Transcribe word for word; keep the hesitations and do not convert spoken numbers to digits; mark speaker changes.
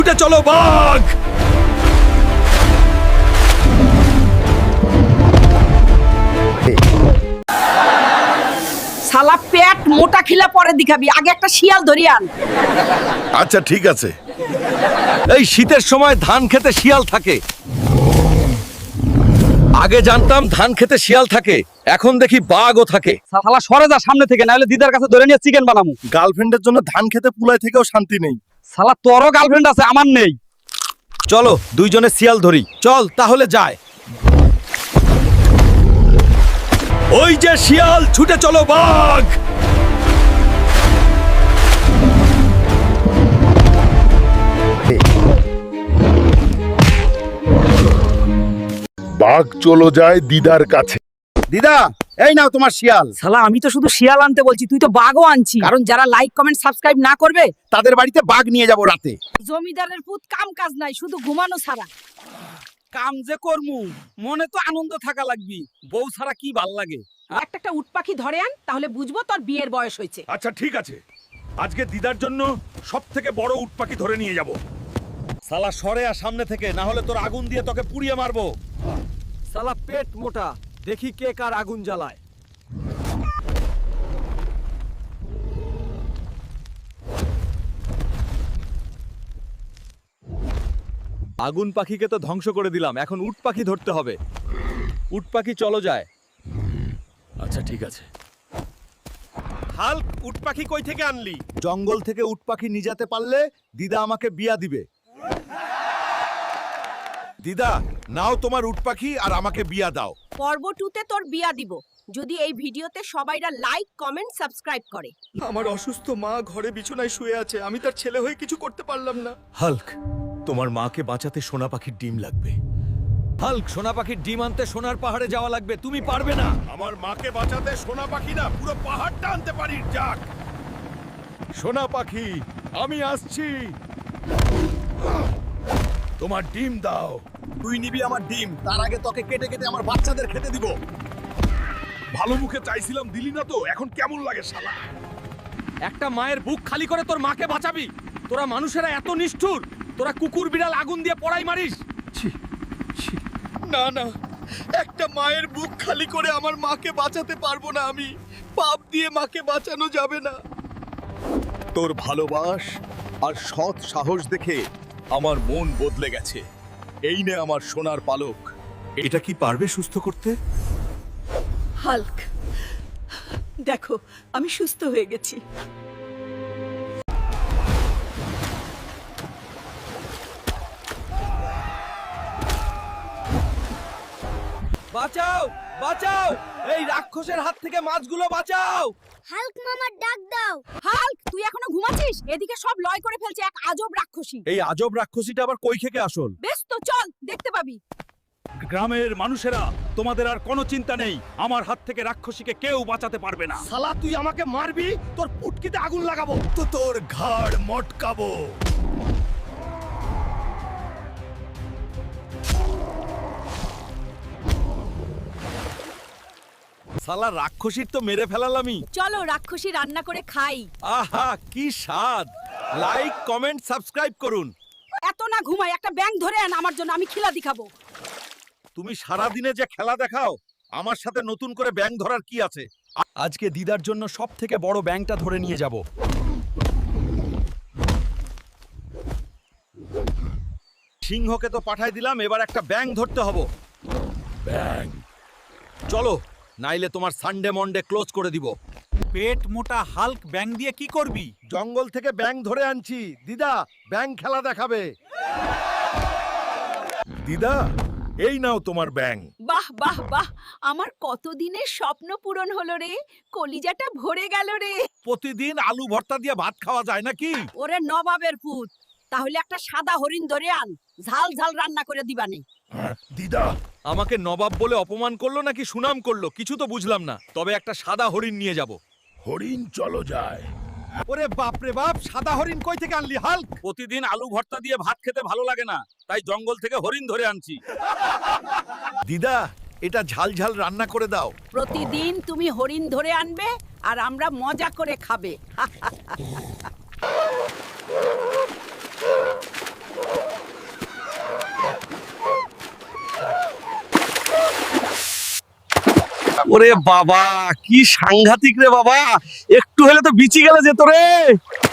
Speaker 1: ছুটে চলো বাঘ।
Speaker 2: শালা পেট মোটা খিলা পরে দেখাবি, আগে একটা শিয়াল ধরি আন।
Speaker 1: আচ্ছা ঠিক আছে। এই শীতের সময় ধান খেতে শিয়াল থাকে। আগে জানতাম ধান খেতে শিয়াল থাকে, এখন দেখি বাঘও থাকে।
Speaker 3: শালা সরে যা সামনে থেকে, নাহলে দিদার কাছে ধরে নিয়ে চিকেন বানামু।
Speaker 1: গার্লফ্রেন্ডের জন্য ধান খেতে পুলাই থেকেও শান্তি নেই।
Speaker 3: শালা তোরও গার্লফ্রেন্ড আছে, আমার নেই।
Speaker 1: চলো দুইজনে শিয়াল ধরি। চল তাহলে যায়। ওই যে শিয়াল, ছুটে চলো বাঘ।
Speaker 4: বাঘ চলো যায় দিদার কাছে।
Speaker 5: দিদা, এই নাও তোমার শিয়াল।
Speaker 2: শালা আমি তো শুধু শিয়াল আনতে বলছি, তুই তো বাঘও আনছি। কারণ যারা লাইক কমেন্ট সাবস্ক্রাইব না করবে
Speaker 5: তাদের বাড়িতে বাঘ নিয়ে যাব রাতে।
Speaker 2: জমিদারের পুত কাম কাজ নাই, শুধু ঘুমানো ছাড়া।
Speaker 3: কাম যে করমু, মনে তো আনন্দ থাকা লাগবি। বউ ছাড়া কি ভাল লাগে?
Speaker 2: একটা একটা উট পাখি ধরে আন, তাহলে বুঝবো তোর বিয়ের বয়স হয়েছে।
Speaker 1: আচ্ছা ঠিক আছে, আজকে দিদার জন্য সব থেকে বড় উট পাখি ধরে নিয়ে যাব। শালা সরে আর সামনে থেকে, না হলে তোর আগুন দিয়ে তোকে পুড়িয়ে মারবো।
Speaker 3: শালা পেট মোটা, দেখি কে কার আগুন জ্বালায়।
Speaker 1: আগুন পাখিকে তো ধ্বংস করে দিলাম, এখন উট পাখি ধরতে হবে। উট পাখি চলো যায়। আচ্ছা ঠিক আছে। হাল্ক, উট পাখি কই থেকে আনলি? জঙ্গল থেকে উট পাখি নিয়ে যেতে পারলে দিদা আমাকে বিয়া দিবে। দিদা, নাও তোমার উট পাখি আর আমাকে বিয়া দাও।
Speaker 2: পর্ব টুতে তোর বিয়া দিব, যদি এই ভিডিওতে সবাইরা লাইক কমেন্ট সাবস্ক্রাইব করে।
Speaker 1: আমার অসুস্থ মা ঘরে বিছানায় শুয়ে আছে, আমি তার ছেলে হয়ে কিছু করতে পারলাম না। হাল্ক, তোমার মাকে বাঁচাতে সোনা পাখির ডিম লাগবে। হাল্ক, সোনা পাখির ডিম আনতে সোনার পাহাড়ে যাওয়া লাগবে, তুমি পারবে না। আমার মাকে বাঁচাতে সোনা পাখি না, পুরো পাহাড়টা আনতে পারি। যাক, সোনা পাখি আমি আসছি। তোমার ডিম দাও।
Speaker 5: তুই নিবি আমার ডিম, তার আগে তোকে কেটে কেটে আমার বাচ্চাদের খেতে দিব।
Speaker 1: ভালো মুখে চাইছিলাম, দিলি না তো, এখন কেমন লাগে শালা?
Speaker 3: একটা মায়ের বুক খালি করে তোর মাকে বাঁচাবি? তোরা মানুষেরা এত নিষ্ঠুর? তোরা কুকুর বিড়াল আগুন দিয়ে পড়াই মারিস?
Speaker 1: না না, একটা মায়ের বুক খালি করে আমার মাকে বাঁচাতে পারবো না আমি। পাপ দিয়ে মাকে বাঁচানো যাবে না।
Speaker 5: তোর ভালোবাস আর সৎ সাহস দেখে আমার মন বদলে গেছে। এই নে আমার সোনার পালক।
Speaker 1: এটা কি পারবে সুস্থ করতে?
Speaker 2: হাল্ক, দেখো আমি সুস্থ হয়ে গেছি।
Speaker 3: বাঁচাও, বাঁচাও, এই রাক্ষসের হাত থেকে মাছগুলো বাঁচাও।
Speaker 6: হাল্ক মামার ডাক দাও।
Speaker 2: হাল্ক, তুই এখনো ঘুমাচ্ছিস? এদিকে সব লয় করে ফেলছে এক আজব রাক্ষসী।
Speaker 1: এই আজব রাক্ষসীটা আবার কই থেকে আসল?
Speaker 2: বেশ তো চল, দেখতে পাবি।
Speaker 1: গ্রামের মানুষেরা, তোমাদের আর কোনো চিন্তা নেই, আমার হাত থেকে রাক্ষসীকে কেউ বাঁচাতে পারবে না।
Speaker 3: শালা তুই আমাকে মারবি, তোর পুটকিতে আগুন লাগাবো।
Speaker 1: তো তোর ঘাড় মটকাবো। শালা রাক্ষসীর তো মেরে ফেলালামই।
Speaker 2: চলো রাক্ষসী রান্না করে খাই।
Speaker 1: আহা কি স্বাদ! লাইক কমেন্ট সাবস্ক্রাইব করুন।
Speaker 2: এত না ঘুমাই, একটা ব্যাঙ ধরে আন আমার জন্য, আমি খিলা দেখাবো।
Speaker 1: তুমি সারা দিনে যে খেলা দেখাও, আমার সাথে নতুন করে ব্যাঙ ধরার কি আছে? আজকে দিদার জন্য সব থেকে বড় ব্যাঙটা ধরে নিয়ে যাব। সিংহকে তো পাঠাই দিলাম, এবার একটা ব্যাঙ ধরতে হবে। ব্যাঙ, চলো, নাইলে তোমার সানডে মন্ডে ক্লোজ করে দিব।
Speaker 3: পেট মোটা হাল্ক ব্যাং দিয়ে কি করবি?
Speaker 1: জঙ্গল থেকে ব্যাঙ ধরে আনছি, দিদা ব্যাঙ খেলা দেখাবে। দিদা, এই নাও তোমার ব্যাঙ।
Speaker 2: বাহ বাহ বাহ, আমার কতদিনের স্বপ্ন পূরণ হলো রে, কলিজাটা ভরে গেল রে।
Speaker 1: প্রতিদিন আলু ভর্তা দিয়ে ভাত খাওয়া যায় নাকি?
Speaker 2: ওরে নবাবের পুত, তাহলে একটা সাদা হরিণ ধরে আন, ঝাল ঝাল রান্না করে দিবানে।
Speaker 1: দিদা আমাকে নবাব বলে অপমান করলো নাকি সুনাম করলো, কিছু তো বুঝলাম না। তবে একটা সাদা হরিণ নিয়ে যাব। হরিণ চলো যায়।
Speaker 3: ওরে বাপ রে বাপ, সাদা হরিণ কই থেকে আনলি হাল্ক?
Speaker 1: প্রতিদিন আলু ভর্তা দিয়ে ভাত খেতে ভালো লাগে না, তাই জঙ্গল থেকে হরিণ ধরে আনছি। দিদা, এটা ঝাল ঝাল রান্না করে দাও।
Speaker 2: প্রতিদিন তুমি হরিণ ধরে আনবে আর আমরা মজা করে খাবে।
Speaker 3: ওরে বাবা কি সাংঘাতিক রে বাবা, একটু হলে তো বিচি গেলে যেত রে।